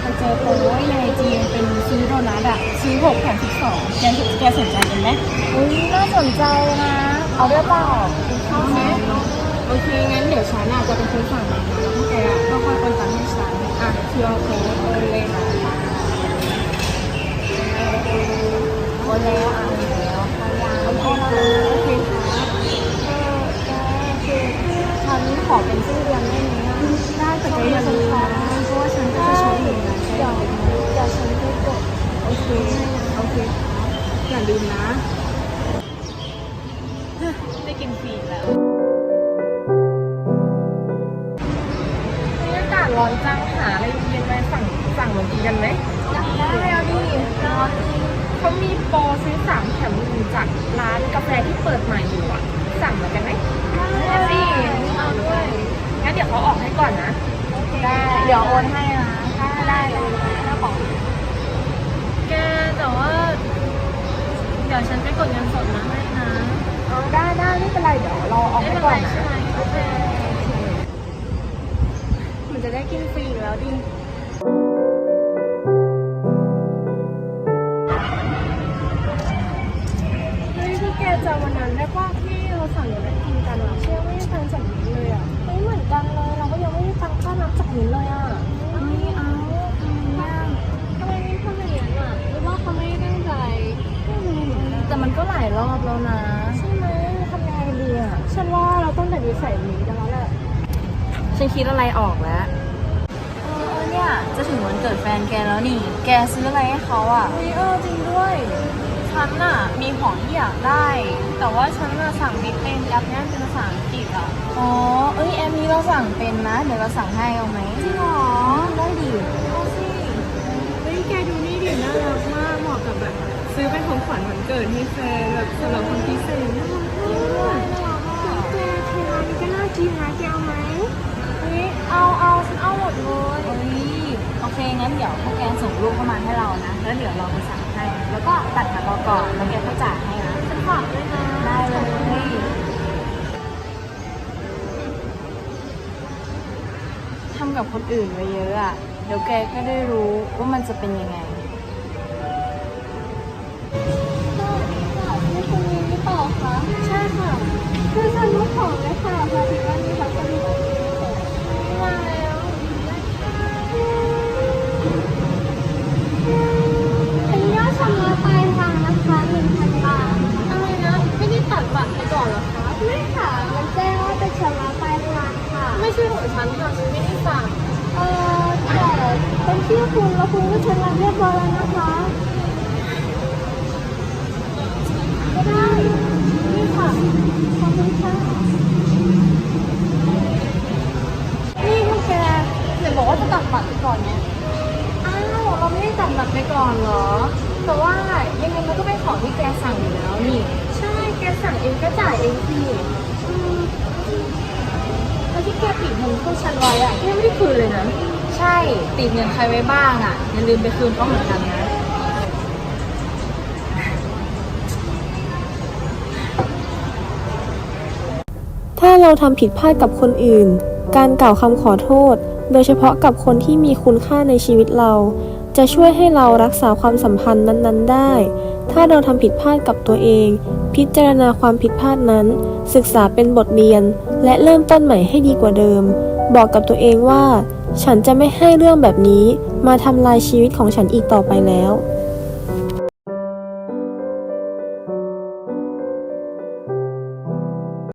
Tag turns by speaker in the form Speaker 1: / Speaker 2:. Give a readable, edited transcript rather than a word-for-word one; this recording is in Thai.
Speaker 1: ไปเจอโพสต์ในไอจีเป็นซื้อโดนัทอะซื้อ6 แถม 12แกสนใจกันไหม
Speaker 2: อุ้ยน่าสนใจนะเอาด้วยเปล่า
Speaker 1: ชอบไหมโอเคงั้นเดี๋ยวฉันจะเป็นคนสั่งมาแล้วพวกแกก็ค่อยคนตังค์ให้ฉันQR code โอนเลยนะ
Speaker 2: โอนแล้วแล้วเขายังโอนแล้ว
Speaker 1: โอเคค่ะ
Speaker 2: คือฉันขอเป็นชื่อเรียนได้ไหม
Speaker 1: ได้แต่แกอย่าลืมนะเพราะว่าฉันก็จะชอบเหมือนกัน
Speaker 2: เดี๋ยวฉันไปกด
Speaker 1: โอเคอย่าลืมนะได้กินฟรีแล้วอากาศร้อนจังหาอะไรเย็นๆไปสั่งเหมือนกินกันไหม
Speaker 2: ได้เอาดิ
Speaker 1: เขามีโปรซื้อ3 แถม 1จากร้านกาแฟที่เปิดใหม่อยู่สั่งเหมือนกันไหม
Speaker 2: ได้สิเอาด้วย
Speaker 1: งั้นเดี๋ยวเขาออกให้ก่อนนะ
Speaker 2: ได้เดี๋ยวโอนให้นะได้ถ้าบอก
Speaker 1: แกแต่ว่าเดี๋ยวฉันไปกดเงินสดมาให้นะ
Speaker 2: ได้ไม่เป็นไรเดี๋ยวเราออกให้ก่อนนะ
Speaker 1: โอเค
Speaker 2: มันจะได้กินฟรีแล้วดิ
Speaker 1: เฮ้ยคือแกจำวันนั้นได้ป่ะที่เราสั่งอยู่ได้กินกันเชื่อไม่ได้ฟังจากนี้เลย
Speaker 2: ไม่เหมือนกันเลยเราก็ยังไม่ได้ฟังค่าน้ำจากนี้เลย
Speaker 1: ไม่เอา
Speaker 2: ทำไมไม่ทำอย่างนั้นหรือว่าเขาไม่ได้ตั้งใจ
Speaker 1: แต่มันก็หลายรอบแล้วนะ
Speaker 2: ใช่ไหมทำยังไงดีฉันว่าเราต้องแต่ดีใส่นี้กันแล้วแหละ
Speaker 1: ฉันคิดอะไรออกแล้ว
Speaker 2: เนี่ยจะถึงวันเกิดแฟนแกแล้วนี่แกซื้ออะไรให้เขาจริงด้วย
Speaker 1: ฉันมีของที่อยากได้แต่ว่าฉันสั่งบิทเป็นแอปนี้เป็นภาษาอังกฤษ
Speaker 2: แอปนี้เราสั่งเป็นนะเดี๋ยวเราสั่งให้เอาไหม
Speaker 1: จริงเหรอ
Speaker 2: ได้ดิ
Speaker 1: เอาสิเฮ้ยแกดูนี่ดิน่ารักมากเหมาะกับแบบซื้อเป็นของขวัญวันเกิดให้แฟนแบบสำหรับคนพิเศษน่ารักมากแกเทร้านนี้ก็น่ากินนะแกเอาไหม
Speaker 2: เอาฉันเอาหมดเลยโอเคงั้นเดี๋ยวพวกแกส่งรูปเข้ามาให้เรานะแล้วเดี๋ยวเราไปสั่งให้แล้วก็ตัดกับเราก่อนแล้วแกก็จ่ายให้นะ
Speaker 1: ฉันฝากด้วยนะ
Speaker 2: ได้เลยทำกับคนอื่นไว้เยอะเดี๋ยวแกก็ได้รู้ว่ามันจะเป็นยังไง
Speaker 1: สวัสดีค่ะชื่อคุณมินหรือเปล่าคะ
Speaker 2: ใช่ค่ะ
Speaker 1: คือฉันรู้ของเลยค่ะพอดีว่ามีพัสดุ
Speaker 2: มาแล้ว
Speaker 1: เป็นยอดชำระปลายทางนะคะ1,000 บาท
Speaker 2: อะไรนะไม่ได้ตัดบัตรไปก่อนเหรอคะ
Speaker 1: ไม่ค่ะมันแจ้งว่าเป็นชำระปลายทางค่ะ
Speaker 2: ไม่ใช่ของฉันค่ะฉันไม่ได้สั่ง
Speaker 1: แต่เป็นชื่อคุณแล้วคุณก็ชำระเรียบร้อยแล้วนะคะ
Speaker 2: ก็ได้นี่ค่ะ
Speaker 1: ขอบคุณค่ะ
Speaker 2: นี่พวกแกเดี๋ยวบอกว่าจะตัดบัตรไปก่อนเนี่ย
Speaker 1: เราไม่ได้ตัดบัตรไปก่อนเหรอ
Speaker 2: แต่ว่ายังไงมันก็เป็นของที่แกสั่งอยู่แล้วนี่
Speaker 1: ใช่แกสั่งเองก็จ่ายเองสิ
Speaker 2: แล้วที่แกติดเงินพวกฉันไว้แกไม่ได้คืนเลยนะใช่ติดเงินใครไว้บ้างอย่าลืมไปคืนเขาเหมือนกันนะ
Speaker 3: ถ้าเราทำผิดพลาดกับคนอื่นการกล่าวคำขอโทษโดยเฉพาะกับคนที่มีคุณค่าในชีวิตเราจะช่วยให้เรารักษาความสัมพันธ์นั้นๆได้ถ้าเราทำผิดพลาดกับตัวเองพิจารณาความผิดพลาดนั้นศึกษาเป็นบทเรียนและเริ่มต้นใหม่ให้ดีกว่าเดิมบอกกับตัวเองว่าฉันจะไม่ให้เรื่องแบบนี้มาทำลายชีวิตของฉันอีกต่อไปแล้ว